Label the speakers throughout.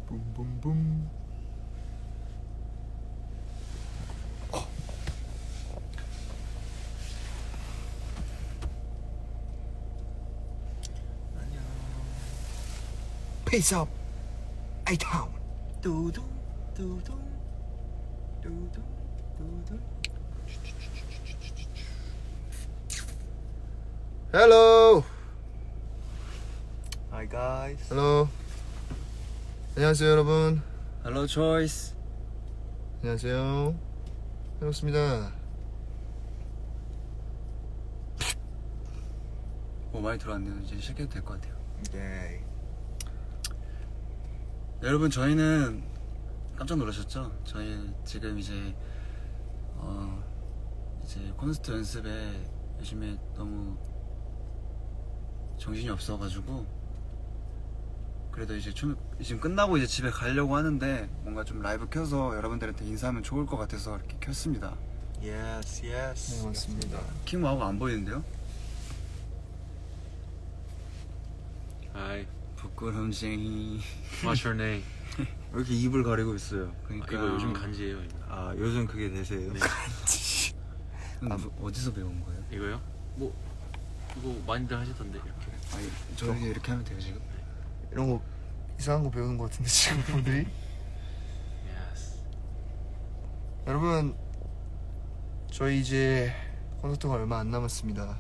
Speaker 1: 붐붐붐.
Speaker 2: 안녕.
Speaker 1: Peace up, A-Town.
Speaker 2: 두둥 두둥 두둥 두둥.
Speaker 1: Hello.
Speaker 2: Hi guys.
Speaker 1: Hello. 안녕하세요 여러분.
Speaker 2: Hello Choice.
Speaker 1: 안녕하세요. 반갑습니다.
Speaker 2: 많이 들어왔네요. 이제 시작해도 될 것 같아요.
Speaker 1: 네.
Speaker 2: 네, 여러분 저희는 깜짝 놀라셨죠? 저희 지금 이제 콘서트 연습에 요즘에 너무 정신이 없어가지고 그래도 이제 지금 끝나고 이제 집에 가려고 하는데 뭔가 좀 라이브 켜서 여러분들한테 인사하면 좋을 것 같아서 이렇게 켰습니다.
Speaker 3: Yes, yes.
Speaker 1: 네, 맞습니다.
Speaker 2: 킹마우가 안 보이는데요?
Speaker 3: Hi.
Speaker 2: 부끄럼쟁이.
Speaker 3: What's your name?
Speaker 2: 왜 이렇게 입을 가리고 있어요? 그러니까
Speaker 3: 이거 요즘 간지예요. 이거.
Speaker 2: 아 요즘 그게 대세예요?
Speaker 3: 네.
Speaker 2: 어디서 배운 거예요?
Speaker 3: 이거요? 뭐 이거 많이들 하시던데 이렇게.
Speaker 2: 아니 저희 이렇게 하면 돼요 지금?
Speaker 1: 이런 거 이상한 거 배우는 거 같은데 지금 분들이.
Speaker 3: Yes.
Speaker 1: 여러분 저희 이제 콘서트가 얼마 안 남았습니다.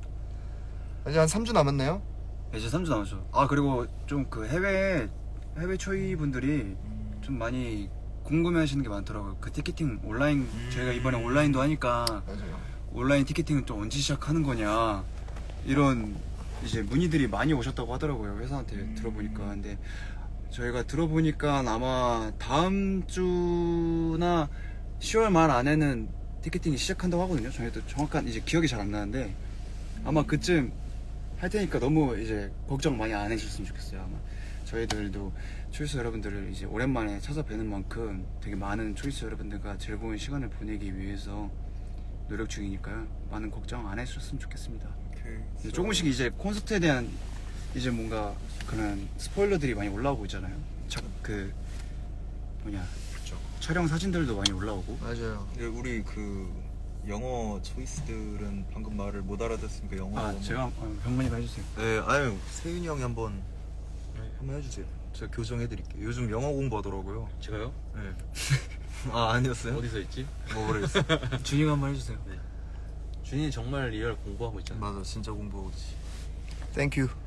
Speaker 1: 아직 한 3주 남았나요?
Speaker 2: 이제 3주 남았죠. 아 그리고 좀 그 해외 초이 분들이 좀 많이 궁금해하시는 게 많더라고요. 그 티켓팅 온라인 저희가 이번에 온라인도 하니까
Speaker 1: 맞아요.
Speaker 2: 온라인 티켓팅은 또 언제 시작하는 거냐 이런 이제 문의들이 많이 오셨다고 하더라고요. 회사한테 들어보니까. 근데 저희가 들어보니까 아마 다음 주나 10월 말 안에는 티켓팅이 시작한다고 하거든요. 저희도 정확한 이제 기억이 잘 안 나는데 아마 그쯤 할 테니까 너무 이제 걱정 많이 안 해주셨으면 좋겠어요. 아마 저희들도 초이스 여러분들을 이제 오랜만에 찾아뵈는 만큼 되게 많은 초이스 여러분들과 즐거운 시간을 보내기 위해서 노력 중이니까요. 많은 걱정 안 해주셨으면 좋겠습니다. 이제 조금씩 이제 콘서트에 대한 이제 뭔가 그런 스포일러들이 많이 올라오고 있잖아요. 그 뭐냐
Speaker 3: 그렇죠.
Speaker 2: 촬영 사진들도 많이 올라오고.
Speaker 1: 맞아요.
Speaker 4: 근데 우리 그 영어 초이스들은 방금 말을 못 알아듣으니까 영어로
Speaker 2: 아 제가 병만이가 해주세요.
Speaker 4: 네, 아유 세윤이 형이 한번 해주세요. 제가 교정해드릴게요. 요즘 영어 공부하더라고요.
Speaker 3: 제가요?
Speaker 4: 네. 아 아니었어요?
Speaker 3: 어디서 있지?
Speaker 4: 뭐 모르겠어.
Speaker 2: 준이가 한번 해주세요.
Speaker 3: 네. 준이 정말 리얼 공부하고 있잖아.
Speaker 4: 맞아, 진짜 공부하고 있지.
Speaker 1: Thank you.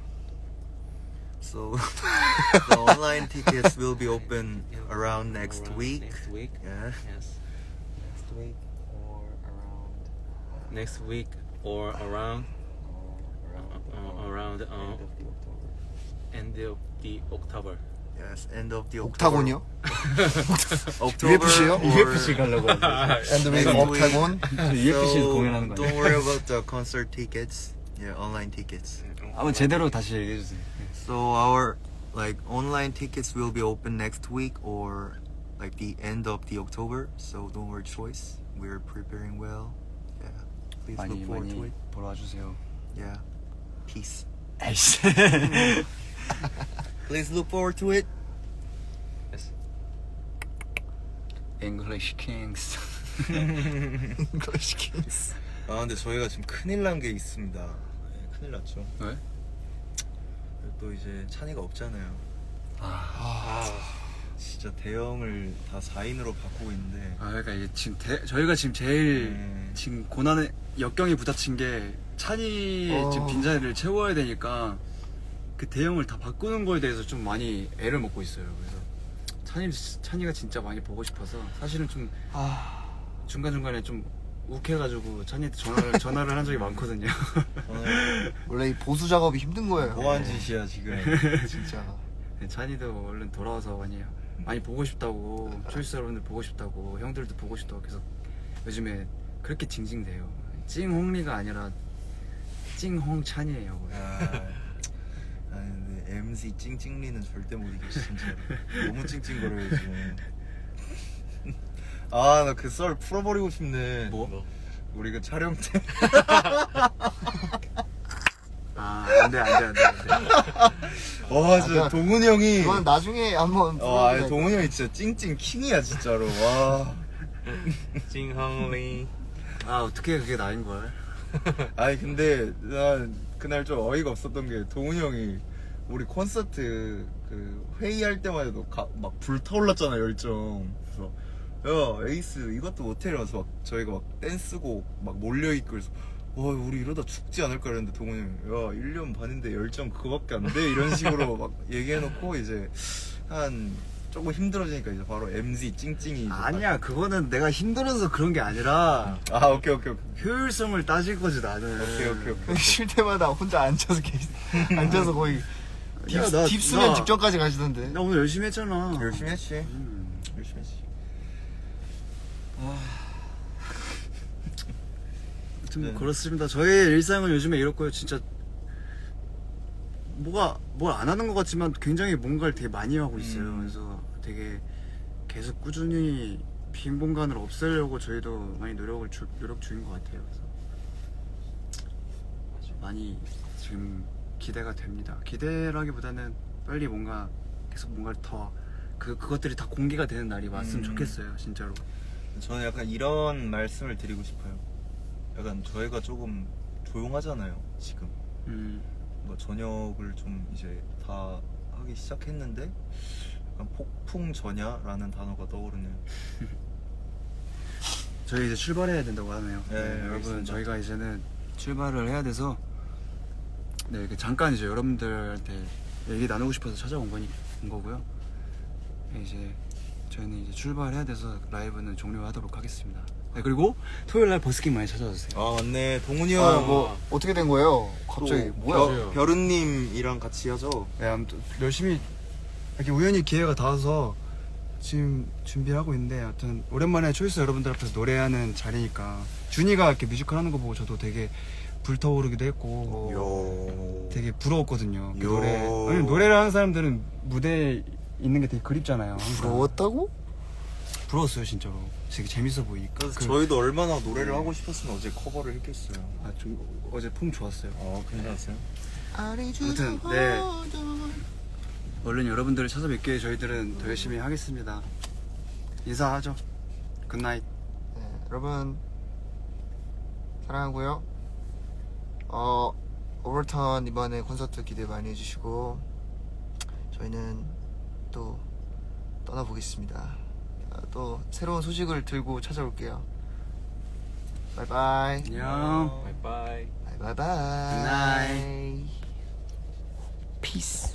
Speaker 4: So the online tickets will be open around next week.
Speaker 3: Next week.
Speaker 4: Yeah.
Speaker 3: Yes.
Speaker 4: Next week or around
Speaker 3: Next week or around
Speaker 4: end of the October.
Speaker 3: end of the October.
Speaker 4: Yes, end of the October.
Speaker 1: 옥타곤이요?
Speaker 4: October
Speaker 1: UFC요?
Speaker 4: or-
Speaker 2: UFC 가려고 하는데.
Speaker 1: And with
Speaker 4: Next week.
Speaker 1: 옥타곤.
Speaker 2: UFC에서 공연하는 거
Speaker 4: Don't
Speaker 2: 아니에요?
Speaker 4: worry about the concert tickets. Yeah, online tickets.
Speaker 2: 한번 제대로 다시 얘기해주세요.
Speaker 4: So our like online tickets will be open next week or like the end of the October. So don't worry, choice. We're preparing well. Yeah, please
Speaker 2: 많이
Speaker 4: look forward to
Speaker 2: 많이
Speaker 4: it.
Speaker 2: 보러 와주세요.
Speaker 4: Yeah, peace.
Speaker 2: 에이씨.
Speaker 4: Please look forward to it.
Speaker 3: Yes.
Speaker 2: English Kings.
Speaker 1: English Kings.
Speaker 4: 아 근데 저희가 지금 큰일 난 게 있습니다. 네, 큰일 났죠.
Speaker 2: 왜?
Speaker 4: 또 이제 찬이가 없잖아요. 진짜 대형을 다 4인으로 바꾸고 있는데.
Speaker 2: 아 그러니까 이게 지금 저희가 지금 제일 지금 고난의 역경에 부딪힌 게 찬이 지금 빈자리를 채워야 되니까 그 대형을 다 바꾸는 거에 대해서 좀 많이 애를 먹고 있어요. 그래서 찬이가 진짜 많이 보고 싶어서 사실은 좀 중간중간에 좀 욱해가지고 찬이한테 전화를 한 적이 많거든요.
Speaker 1: 원래 이 보수 작업이 힘든 거예요.
Speaker 4: 뭐한 짓이야 지금.
Speaker 1: 진짜.
Speaker 2: 찬이도 얼른 돌아와서 많이 보고 싶다고, 초이스 여러분들 보고 싶다고, 형들도 보고 싶다고 계속 요즘에 그렇게 징징대요. 찡홍리가 아니라 찡홍찬이에요.
Speaker 4: 아니 근데 MZ 찡찡리는 절대 못 이겨 진짜. 너무 찡찡거려요 지금. 아 나 그 썰 풀어버리고 싶네.
Speaker 2: 뭐?
Speaker 4: 우리 그 촬영 때
Speaker 2: 아 안돼.
Speaker 1: 와 진짜
Speaker 2: 그러니까
Speaker 1: 아, 동훈이 형이
Speaker 2: 그건 나중에 한번
Speaker 1: 아니, 동훈이 형이 진짜 찡찡 킹이야 진짜로. 와.
Speaker 4: 찡헝리.
Speaker 3: 아 어떻게 그게 나인걸.
Speaker 1: 아니 근데 난 그날 좀 어이가 없었던 게 동훈이 형이 우리 콘서트 그 회의할 때마다도 막 불타올랐잖아 열정. 그래서 야 에이스 이것도 못해 이러면서 막 저희가 막 댄스곡 막 몰려있고 그래서 와 우리 이러다 죽지 않을까 이랬는데 동훈이 형이 야 1년 반인데 열정 그거밖에 안 돼 이런 식으로 막 얘기해놓고 이제 한 조금 힘들어지니까 이제 바로 MZ 찡찡이 이제
Speaker 2: 아니야 그거는 내가 힘들어서 그런 게 아니라
Speaker 1: 아 오케이
Speaker 2: 효율성을 따질 거지 나는.
Speaker 1: 오케이.
Speaker 2: 쉴 때마다 혼자 앉아서 앉아서 거의
Speaker 1: 야, 나-
Speaker 2: 딥수면
Speaker 1: 나-
Speaker 2: 직전까지 가시던데.
Speaker 3: 나 오늘 열심히 했잖아.
Speaker 1: 열심히 했지 열심히 했지.
Speaker 3: 아무튼 뭐
Speaker 1: 네.
Speaker 3: 그렇습니다. 저의 일상은 요즘에 이렇고요. 진짜 뭐가 뭘 안 하는 것 같지만 굉장히 뭔가를 되게 많이 하고 있어요. 그래서 되게 계속 꾸준히 빈 공간을 없애려고 저희도 많이 노력 중인 것 같아요. 그래서 많이 지금 기대가 됩니다. 기대라기보다는 빨리 뭔가 계속 뭔가를 더 그것들이 다 공개가 되는 날이 왔으면 좋겠어요. 진짜로.
Speaker 1: 저는 약간 이런 말씀을 드리고 싶어요. 약간 저희가 조금 조용하잖아요 지금. 뭐 저녁을 좀 이제 다 하기 시작했는데 약간 폭풍 전야라는 단어가 떠오르네요.
Speaker 3: 저희 이제 출발해야 된다고 하네요.
Speaker 1: 네,
Speaker 3: 여러분
Speaker 1: 알겠습니다.
Speaker 3: 저희가 이제는 출발을 해야 돼서 네 이렇게 잠깐 이제 여러분들한테 얘기 나누고 싶어서 찾아온 거고요. 이제 저희는 이제 출발해야 돼서 라이브는 종료하도록 하겠습니다. 네, 그리고 토요일 날 버스킹 많이 찾아와 주세요.
Speaker 1: 아 맞네 동훈이
Speaker 2: 아,
Speaker 1: 형.
Speaker 2: 뭐 어떻게 된 거예요? 갑자기 뭐야?
Speaker 1: 별은님이랑 같이 하죠.
Speaker 2: 네, 아무튼 열심히 이렇게 우연히 기회가 닿아서 지금 준비를 하고 있는데 아무튼 오랜만에 초이스 여러분들 앞에서 노래하는 자리니까 준이가 이렇게 뮤지컬 하는 거 보고 저도 되게 불타오르기도 했고 되게 부러웠거든요. 그
Speaker 1: 요.
Speaker 2: 노래를 하는 사람들은 무대에 있는 게 되게 그립잖아요. 항상.
Speaker 5: 부러웠다고?
Speaker 2: 부러웠어요 진짜로. 되게 재밌어 보이니까.
Speaker 1: 그래서 저희도 얼마나 노래를 하고 싶었으면 어제 커버를 했겠어요.
Speaker 2: 좀 어제 폼 좋았어요.
Speaker 1: 괜찮았어요?
Speaker 2: 아무튼 네 얼른 여러분들을 찾아뵙기에 저희들은 더 열심히 하겠습니다. 인사하죠. 굿나잇.
Speaker 5: 네, 여러분 사랑하고요. 오버턴 이번에 콘서트 기대 많이 해주시고 저희는 또 떠나보겠습니다. 또 새로운 소식을 들고 찾아올게요. 바이바이.
Speaker 2: 안녕.
Speaker 3: 바이바이.
Speaker 5: 바이바이.
Speaker 2: 굿나잇.
Speaker 5: 피스.